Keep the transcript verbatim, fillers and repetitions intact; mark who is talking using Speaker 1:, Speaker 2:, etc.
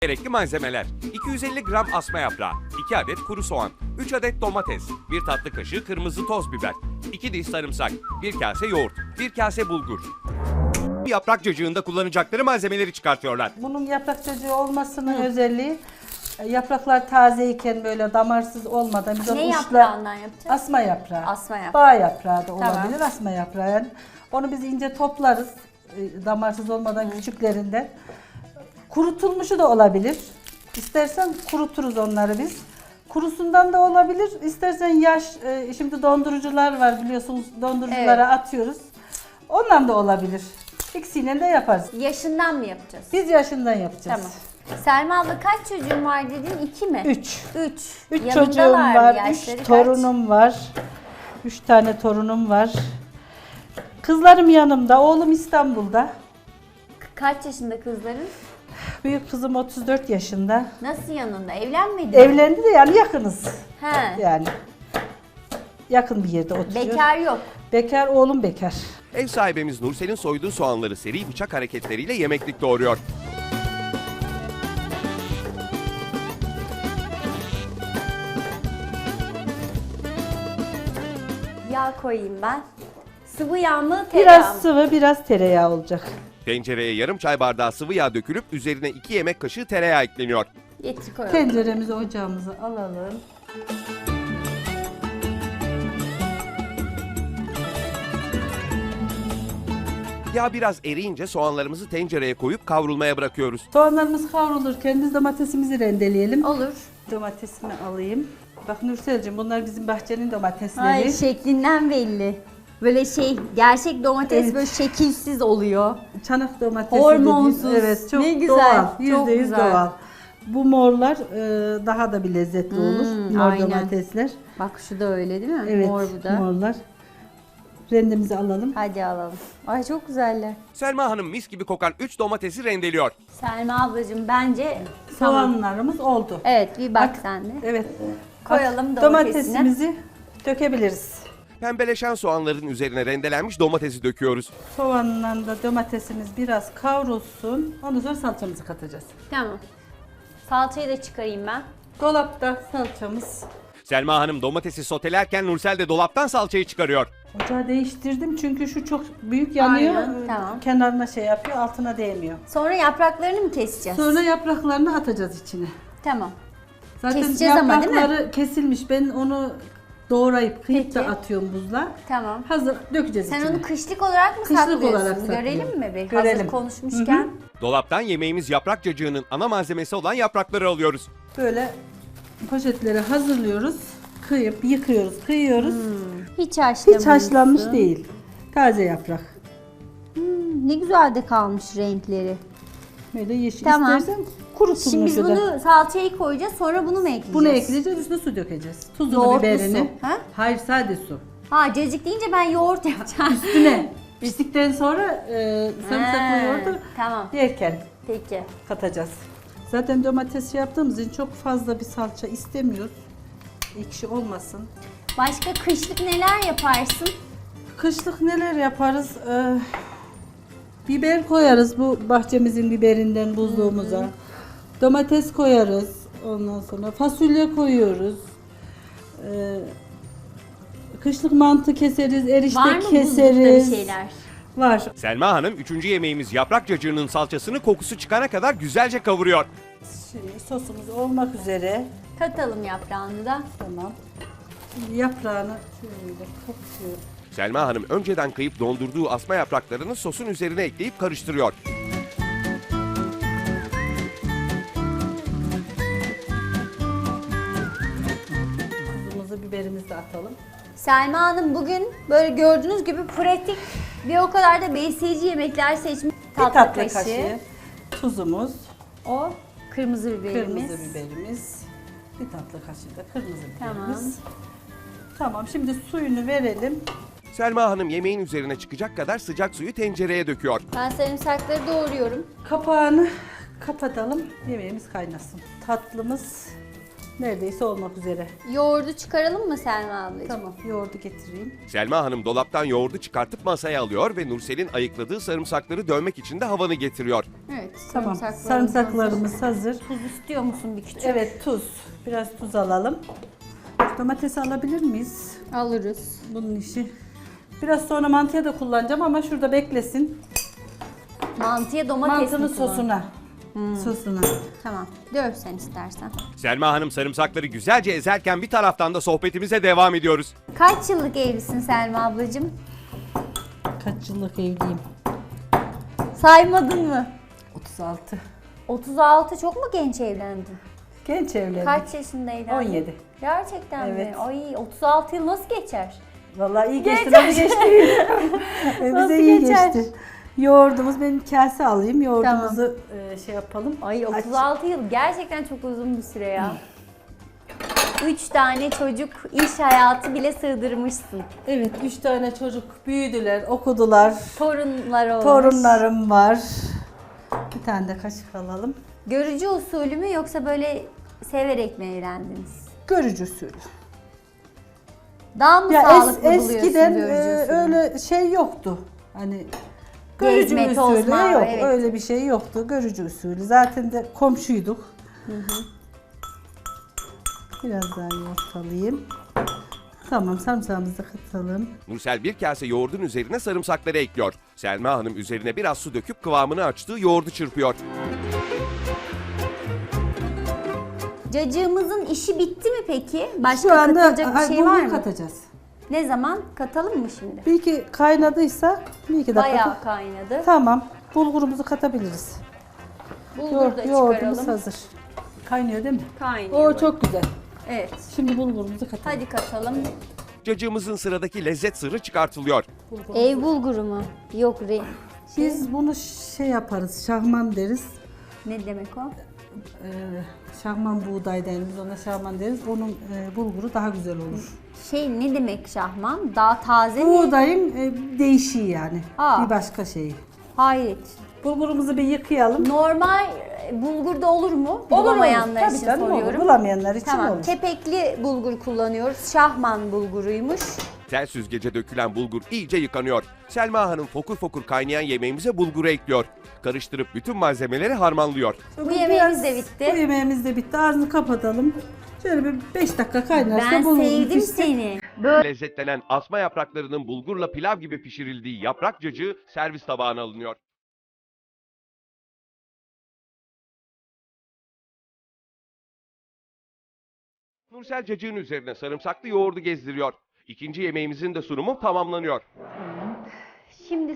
Speaker 1: Gerekli malzemeler: iki yüz elli gram asma yaprağı, iki adet kuru soğan, üç adet domates, bir tatlı kaşığı kırmızı toz biber, iki diş sarımsak, bir kase yoğurt, bir kase bulgur. Yaprak cacığında kullanacakları malzemeleri çıkartıyorlar.
Speaker 2: Bunun yaprak cacığı olmasının Hı. özelliği yapraklar tazeyken böyle damarsız olmadan biz
Speaker 3: ne
Speaker 2: uçla,
Speaker 3: yaprağından yapacağız?
Speaker 2: Asma yaprağı.
Speaker 3: Asma yaprağı.
Speaker 2: Bağ yaprağı da olabilir,
Speaker 3: Tamam.
Speaker 2: asma yaprağı. Yani onu biz ince toplarız damarsız olmadan Hı. küçüklerinden. Kurutulmuşu da olabilir. İstersen kuruturuz onları biz. Kurusundan da olabilir. İstersen yaş, şimdi dondurucular var biliyorsunuz, donduruculara evet. atıyoruz. Ondan da olabilir. İkisiyle de yaparız.
Speaker 3: Yaşından mı yapacağız?
Speaker 2: Biz yaşından yapacağız.
Speaker 3: Tamam. Selma abla kaç çocuğun var dedin? İki mi?
Speaker 2: Üç.
Speaker 3: Üç.
Speaker 2: Üç çocuğum var, üç
Speaker 3: kaç?
Speaker 2: torunum var. Üç tane torunum var. Kızlarım yanımda, oğlum İstanbul'da.
Speaker 3: Kaç yaşında kızların?
Speaker 2: Büyük kızım otuz dört yaşında.
Speaker 3: Nasıl yanında? Evlenmedi mi?
Speaker 2: Evlendi de yani yakınız.
Speaker 3: He.
Speaker 2: Yani yakın bir yerde oturuyor.
Speaker 3: Bekar yok.
Speaker 2: Bekar, oğlum bekar.
Speaker 1: Ev sahibimiz Nursel'in soyduğu soğanları seri bıçak hareketleriyle yemeklik doğruyor.
Speaker 3: Yağ koyayım ben. Sıvı yağ mı, tereyağı mı?
Speaker 2: Biraz sıvı, biraz tereyağı olacak.
Speaker 1: Tencereye yarım çay bardağı sıvı yağ dökülüp üzerine iki yemek kaşığı tereyağı ekleniyor.
Speaker 3: Getir koyalım.
Speaker 2: Tenceremizi, ocağımızı alalım.
Speaker 1: Yağ biraz eriyince soğanlarımızı tencereye koyup kavrulmaya bırakıyoruz.
Speaker 2: Soğanlarımız kavrulurken biz domatesimizi rendeleyelim.
Speaker 3: Olur.
Speaker 2: Domatesimi alayım. Bak Nursel'cim, bunlar bizim bahçenin domatesleri.
Speaker 3: Ay, şeklinden belli. Böyle şey, gerçek domates
Speaker 2: Evet.
Speaker 3: böyle şekilsiz oluyor.
Speaker 2: Çanak domatesi
Speaker 3: Hormonsuz.
Speaker 2: dediğim, evet, çok
Speaker 3: Ne güzel,
Speaker 2: doğal,
Speaker 3: çok
Speaker 2: yüzde yüz
Speaker 3: güzel.
Speaker 2: doğal. Bu morlar e, daha da bir lezzetli
Speaker 3: Hmm,
Speaker 2: olur. Mor
Speaker 3: aynen.
Speaker 2: domatesler.
Speaker 3: Bak şu da öyle değil mi?
Speaker 2: Evet,
Speaker 3: Mor bu da.
Speaker 2: morlar. Rendemizi alalım.
Speaker 3: Hadi alalım. Ay çok güzeller.
Speaker 1: Selma Hanım mis gibi kokan üç domatesi rendeliyor.
Speaker 3: Selma ablacığım bence tamam.
Speaker 2: Soğanlarımız oldu.
Speaker 3: Evet, bir bak, sen de.
Speaker 2: Evet.
Speaker 3: Koyalım
Speaker 2: Bak,
Speaker 3: domatesini.
Speaker 2: domatesimizi dökebiliriz.
Speaker 1: Pembeleşen soğanların üzerine rendelenmiş domatesi döküyoruz.
Speaker 2: Soğanla da domatesimiz biraz kavrulsun. Ondan sonra salçamızı katacağız.
Speaker 3: Tamam. Salçayı da çıkarayım ben.
Speaker 2: Dolapta salçamız.
Speaker 1: Selma Hanım domatesi sotelerken Nursel de dolaptan salçayı çıkarıyor.
Speaker 2: Ocağı değiştirdim çünkü şu çok büyük yanıyor.
Speaker 3: Aynen, tamam.
Speaker 2: Kenarına şey yapıyor, altına değmiyor.
Speaker 3: Sonra yapraklarını mı keseceğiz?
Speaker 2: Sonra yapraklarını atacağız içine.
Speaker 3: Tamam.
Speaker 2: Zaten
Speaker 3: Keseceğiz ama, değil mi?
Speaker 2: yaprakları kesilmiş. Ben onu doğrayıp kıyıp da
Speaker 3: Peki.
Speaker 2: atıyorum buzla.
Speaker 3: Tamam.
Speaker 2: Hazır dökeceğiz
Speaker 3: Sen
Speaker 2: içine.
Speaker 3: onu kışlık olarak mı
Speaker 2: Kışlık
Speaker 3: saklıyorsun?
Speaker 2: olarak saklıyorum.
Speaker 3: Görelim mi bir?
Speaker 2: Görelim.
Speaker 3: Hazır konuşmuşken.
Speaker 2: Hı
Speaker 1: Dolaptan yemeğimiz yaprak cacığının ana malzemesi olan yaprakları alıyoruz.
Speaker 2: Böyle poşetlere hazırlıyoruz. Kıyıp yıkıyoruz, kıyıyoruz.
Speaker 3: Hiç haşlamamışsın.
Speaker 2: Hiç haşlanmış değil. Taze yaprak.
Speaker 3: Hmm, ne güzel de kalmış renkleri.
Speaker 2: Böyle yeşil
Speaker 3: Tamam.
Speaker 2: istersen kurutulmuş.
Speaker 3: Şimdi biz
Speaker 2: da.
Speaker 3: bunu salçayı koyacağız, sonra bunu mu ekleyeceğiz?
Speaker 2: Bunu ekleyeceğiz, üstüne su dökeceğiz. Tuzunu,
Speaker 3: Yoğurtlu
Speaker 2: biberini.
Speaker 3: su, ha?
Speaker 2: Hayır, sade su.
Speaker 3: Ha, cacık deyince ben yoğurt yapacağım.
Speaker 2: Üstüne. Piştikten sonra e, sarımsaklı
Speaker 3: Ha,
Speaker 2: yoğurdu
Speaker 3: tamam.
Speaker 2: yerken
Speaker 3: Peki.
Speaker 2: katacağız. Zaten domates yaptığımız için çok fazla bir salça istemiyoruz. Ekşi olmasın.
Speaker 3: Başka kışlık neler yaparsın?
Speaker 2: Kışlık neler yaparız? Ee, biber koyarız bu bahçemizin biberinden buzluğumuza. Domates koyarız. Ondan sonra fasulye koyuyoruz. Ee, kışlık mantı keseriz, erişte
Speaker 3: Var mı buzlukta
Speaker 2: keseriz.
Speaker 3: bir şeyler?
Speaker 2: Var.
Speaker 1: Selma Hanım üçüncü yemeğimiz yaprak cacığının salçasını kokusu çıkana kadar güzelce kavuruyor.
Speaker 2: Şimdi sosumuz olmak üzere.
Speaker 3: Katalım yaprağını da.
Speaker 2: Tamam. Şimdi yaprağını şöyle katıyorum.
Speaker 1: Selma Hanım önceden kıyıp dondurduğu asma yapraklarını sosun üzerine ekleyip karıştırıyor.
Speaker 2: Tuzumuzu, biberimizi de atalım.
Speaker 3: Selma Hanım bugün böyle gördüğünüz gibi pratik ve o kadar da besleyici yemekler seçmiş.
Speaker 2: Bir tatlı kaşığı tuzumuz,
Speaker 3: O kırmızı biberimiz.
Speaker 2: kırmızı biberimiz, bir tatlı kaşığı da kırmızı
Speaker 3: Tamam.
Speaker 2: biberimiz. Tamam, şimdi suyunu verelim.
Speaker 1: Selma Hanım yemeğin üzerine çıkacak kadar sıcak suyu tencereye döküyor.
Speaker 3: Ben sarımsakları doğruyorum.
Speaker 2: Kapağını kapatalım, yemeğimiz kaynasın. Tatlımız Neredeyse olmak üzere.
Speaker 3: Yoğurdu çıkaralım mı Selma ablacığım?
Speaker 2: Tamam, yoğurdu getireyim.
Speaker 1: Selma Hanım dolaptan yoğurdu çıkartıp masaya alıyor ve Nursel'in ayıkladığı sarımsakları dövmek için de havanı getiriyor.
Speaker 3: Evet.
Speaker 2: Tamam,
Speaker 3: sarımsaklarımız
Speaker 2: sarımsaklarımız hazır.
Speaker 3: hazır. Tuz istiyor musun bir küçük?
Speaker 2: Evet, tuz. Biraz tuz alalım. Domatesi alabilir miyiz?
Speaker 3: Alırız.
Speaker 2: Bunun işi. Biraz sonra mantıya da kullanacağım ama şurada beklesin.
Speaker 3: Mantıya domates
Speaker 2: Mantının
Speaker 3: mi kullan-
Speaker 2: sosuna. Sosuna.
Speaker 3: Tamam. Döv sen istersen.
Speaker 1: Selma Hanım sarımsakları güzelce ezerken bir taraftan da sohbetimize devam ediyoruz.
Speaker 3: Kaç yıllık evlisin Selma ablacığım?
Speaker 2: Kaç yıllık evliyim?
Speaker 3: Saymadın mı?
Speaker 2: otuz altı.
Speaker 3: otuz altı çok mu genç evlendin?
Speaker 2: Genç evlendik.
Speaker 3: Kaç yaşında evlendin?
Speaker 2: on yedi.
Speaker 3: Gerçekten
Speaker 2: Evet.
Speaker 3: mi? Ay otuz altı yıl nasıl geçer?
Speaker 2: Vallahi iyi geçti.
Speaker 3: Geçer.
Speaker 2: Nasıl geçti? E,
Speaker 3: Nasıl
Speaker 2: Bize iyi
Speaker 3: geçer?
Speaker 2: geçti. Yoğurdumuz, benim kase alayım. Yoğurdumuzu e, şey yapalım.
Speaker 3: Ay
Speaker 2: Aç-
Speaker 3: otuz altı yıl gerçekten çok uzun bir süre ya. Üç tane çocuk, iş hayatı bile sığdırmışsın.
Speaker 2: Evet, üç tane çocuk büyüdüler, okudular.
Speaker 3: Torunlar olmuş.
Speaker 2: Torunlarım var. Bir tane de kaşık alalım.
Speaker 3: Görücü usulü mü yoksa böyle severek mi evlendiniz?
Speaker 2: Görücü usulü.
Speaker 3: Daha mı
Speaker 2: Ya es,
Speaker 3: sağlıklı buluyorsun
Speaker 2: eskiden
Speaker 3: görücü
Speaker 2: e,
Speaker 3: usulü?
Speaker 2: öyle şey yoktu. Hani
Speaker 3: Gezme,
Speaker 2: görücü usulü
Speaker 3: tozma,
Speaker 2: yok.
Speaker 3: evet.
Speaker 2: Öyle bir şey yoktu. Görücü usulü. Zaten de komşuyduk. Biraz daha yoğurt alayım. Tamam, sarımsağımızı da katalım.
Speaker 1: Nursel bir kase yoğurdun üzerine sarımsakları ekliyor. Selma Hanım üzerine biraz su döküp kıvamını açtığı yoğurdu çırpıyor.
Speaker 3: Cacığımızın işi bitti mi peki? Başka
Speaker 2: Şu anda
Speaker 3: katılacak bir
Speaker 2: ay,
Speaker 3: şey
Speaker 2: bulgur
Speaker 3: var mı?
Speaker 2: katacağız.
Speaker 3: Ne zaman? Katalım mı şimdi?
Speaker 2: Bir iki kaynadıysa bir iki dakika.
Speaker 3: Bayağı kaynadı.
Speaker 2: Tamam. Bulgurumuzu katabiliriz.
Speaker 3: Bulgur
Speaker 2: Yoğurt,
Speaker 3: da
Speaker 2: yoğurdumuz
Speaker 3: çıkaralım.
Speaker 2: hazır. Kaynıyor değil mi?
Speaker 3: Kaynıyor.
Speaker 2: O çok güzel.
Speaker 3: Evet.
Speaker 2: Şimdi bulgurumuzu katalım.
Speaker 3: Hadi katalım.
Speaker 1: Cacığımızın sıradaki lezzet sırrı çıkartılıyor.
Speaker 3: Ev bulguru mu? Yok re.
Speaker 2: Biz bunu şey yaparız, şahman deriz.
Speaker 3: Ne demek o?
Speaker 2: Ee, şahman buğday deriz, biz ona şahman deriz. Onun e, bulguru daha güzel olur.
Speaker 3: Şey ne demek şahman? Daha taze mi?
Speaker 2: Buğdayın e, değişiği yani.
Speaker 3: Aa.
Speaker 2: Bir başka şeyi.
Speaker 3: Hayır.
Speaker 2: Bulgurumuzu bir yıkayalım.
Speaker 3: Normal e, bulgurda olur mu? Bulamayanlar
Speaker 2: Tabii
Speaker 3: için
Speaker 2: canım, olur.
Speaker 3: soruyorum.
Speaker 2: Bulamayanlar için
Speaker 3: Tamam.
Speaker 2: olur.
Speaker 3: Kepekli bulgur kullanıyoruz. Şahman bulguruymuş.
Speaker 1: Tel süzgece dökülen bulgur iyice yıkanıyor. Selma Hanım fokur fokur kaynayan yemeğimize bulguru ekliyor. Karıştırıp bütün malzemeleri harmanlıyor.
Speaker 3: Bu yemeğimiz de bitti.
Speaker 2: Bu yemeğimiz de bitti. Ağzını kapatalım. Şöyle bir beş dakika kaynarsa
Speaker 3: Ben
Speaker 2: bulgur
Speaker 3: sevdim
Speaker 2: pişsin.
Speaker 3: seni.
Speaker 1: Lezzetlenen asma yapraklarının bulgurla pilav gibi pişirildiği yaprak cacığı servis tabağına alınıyor. Nursel cacığın üzerine sarımsaklı yoğurdu gezdiriyor. İkinci yemeğimizin de sunumu tamamlanıyor.